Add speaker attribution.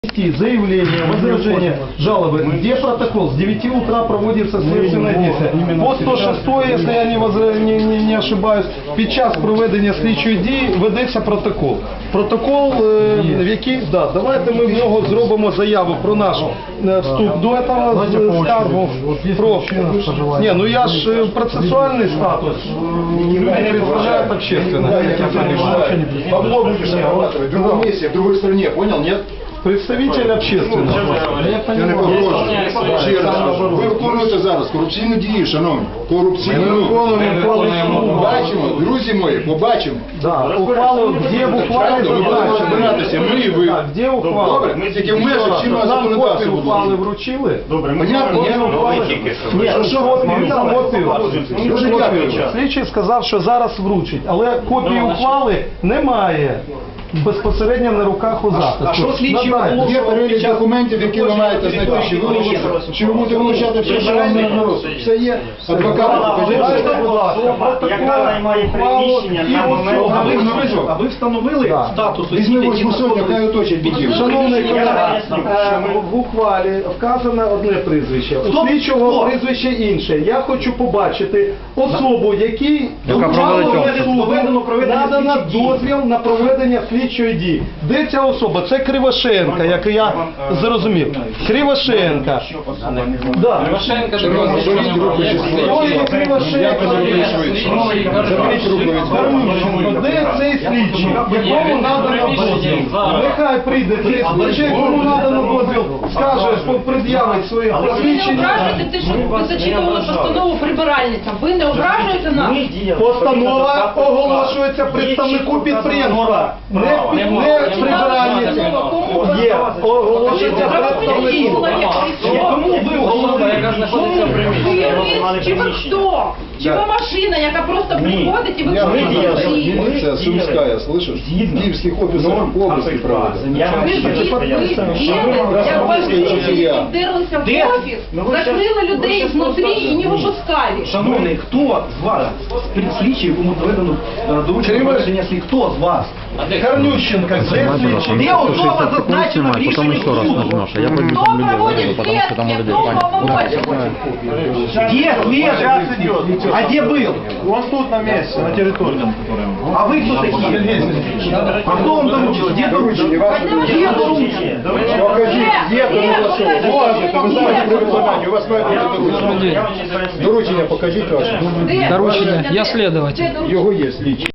Speaker 1: заявление, возражение, жалобы. Где протокол? С 9 утра проводится следственное действие. По 106, если я не ошибаюсь, під час проведення слідчої дії ведеться протокол. Протокол, в який, да, давайте ми в нього зробимо заяву про наш вступ до этого скаргу. Не, ну я ж процессуальный статус, люди представляют общественное.
Speaker 2: Бабло будешь зарабатывать в другом месте, в другой стране, понял, нет?
Speaker 1: Представитель общественного.
Speaker 2: Я не похожу. Ще раз, ви виконуєте зараз корупційну дію, шановні. Корупційну. Побачимо, друзі мої, побачимо.
Speaker 1: Да, ухвалу, где в ухвале
Speaker 2: Ми будемо розбиратися, ми і ви.
Speaker 1: Так, где ухвала?
Speaker 2: Добре, ми тільки в межах чинного
Speaker 1: Нам копію
Speaker 2: законодавства
Speaker 1: ухвали
Speaker 2: будемо.
Speaker 1: вручили?
Speaker 3: Добре, ми
Speaker 2: Понятно, ні?
Speaker 1: Ні, що копію?
Speaker 2: Дуже дякую.
Speaker 1: Слідчий сказав, що зараз вручить, але копії ухвали немає безпосередньо на руках у захисту.
Speaker 3: А що слідчий
Speaker 1: Надайте.
Speaker 3: оголошує?
Speaker 2: Є перелік документів, які ви маєте знайти. Чи ви будете вилучати все, що вам на розсуд? Все є. Адвокати, покажіть.
Speaker 3: Яка займає приміщення на момент...
Speaker 4: А ви встановили статус
Speaker 2: Візьми
Speaker 4: осіб, які
Speaker 2: восьму сотню, хай оточить відділ.
Speaker 1: Шановний колега, в ухвалі вказано одне прізвище, у слідчого прізвище інше. Я хочу побачити особу, якій надано дозвіл на проведення слідчої дії. Де ця особа? Це Кривошенка, як я зрозумів. Кривошенка. Да.
Speaker 5: Кривошенка,
Speaker 1: Ой, Кривошенка.
Speaker 2: Заберіть руку від
Speaker 1: Гарнущенко, де цей слідчий, якому надано дозвіл? Нехай прийде цей слідчий, якому надано дозвіл, скаже, пред'явить своє
Speaker 6: Ви не
Speaker 1: посвідчення.
Speaker 6: ображуєте, те, що ви зачитували постанову прибиральницям. Ви не ображуєте нас?
Speaker 1: Постанова оголошується представнику підприємства, не прибиральниці. Є, оголошується представнику.
Speaker 6: Кому
Speaker 5: ви особа, яка знаходиться в приміщенні?
Speaker 6: Чи ви хто? Чи ви машина, яка просто приходить і виконує свої?
Speaker 2: Милиция Сумская, слышишь? В киевских офисах области проводят.
Speaker 6: Як бандити вдерлися в офіс, закрили людей знутрі і не випускали.
Speaker 4: Шановний, хто з вас, слідчий, якому доведено доручення проведення слід, хто з вас?
Speaker 1: Гарнющенко, де слідчий?
Speaker 4: Де особа зазначена в рішенні суду?
Speaker 6: Хто проводить следствие, кто уполномочен?
Speaker 4: Где след? А где был?
Speaker 1: Он тут на месте, на территории.
Speaker 4: А вы кто такие? А кто вам доручил? Где доручил? Где доручил?
Speaker 2: Покажіть, є доручення. Можете, ви знаєте при виконанні, у вас має бути доручення. Доручення покажіть ваше.
Speaker 6: Доручення, я следователь.
Speaker 2: Його є слідчий.